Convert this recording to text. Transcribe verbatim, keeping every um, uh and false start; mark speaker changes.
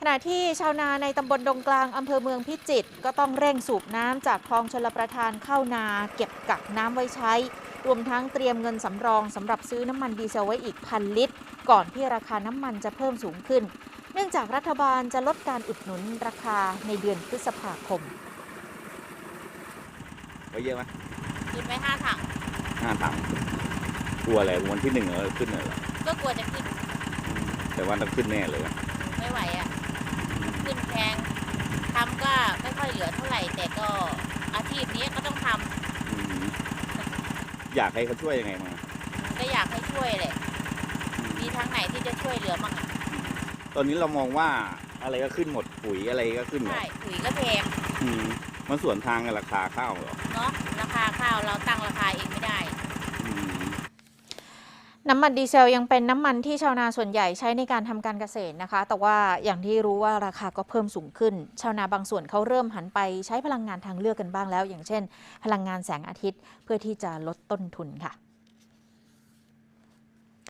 Speaker 1: ณะที่ชาวนาในตำบลดงกลางอำเภอเมืองพิจิตรก็ต้องเร่งสูบน้ำจากคลองชลประทานเข้านาเก็บกักน้ำไว้ใช้รวมทั้งเตรียมเงินสำรองสำหรับซื้อน้ำมันดีเซลไว้อีกพันลิตรก่อนที่ราคาน้ำมันจะเพิ่มสูงขึ้นเนื่องจากรัฐบาลจะลดการอุดหนุนราคาในเดือนพฤษภาคม
Speaker 2: ไว้เยอะไหม
Speaker 3: ขึ้นไปห้าถัง
Speaker 2: ห้าถังกลัวอะไรวันที่หนึ่งเออขึ้นเลยเหรอ
Speaker 3: ก็กลัวจะขึ้น
Speaker 2: แต่ว่าต้องขึ้นแน่เลย
Speaker 3: ไม่ไหวอ่ะขึ้นแพงทำก็ไม่ค่อยเหลือเท่าไหร่แต่ก็อาชีพนี้ก็ต้องท
Speaker 2: ำอยากให้เขาช่วยยังไงมา
Speaker 3: ก็อยากให้ช่วยแหละมีทางไหนที่จะช่วยเหลือมั่ง
Speaker 2: ตอนนี้เรามองว่าอะไรก็ขึ้นหมดปุ๋ยอะไรก็ขึ้นหมด
Speaker 3: ใช่ปุ๋ยก็แพง
Speaker 2: มันส่วนทางกับราคาข้าวเหรอ
Speaker 3: เนาะราคาข้าวเราตั้งราคาเองไม่ได้
Speaker 1: น้ำมันดีเซลยังเป็นน้ำมันที่ชาวนาส่วนใหญ่ใช้ในการทำการเกษตรนะคะแต่ว่าอย่างที่รู้ว่าราคาก็เพิ่มสูงขึ้นชาวนาบางส่วนเขาเริ่มหันไปใช้พลังงานทางเลือกกันบ้างแล้วอย่างเช่นพลังงานแสงอาทิตย์เพื่อที่จะลดต้นทุนค่ะ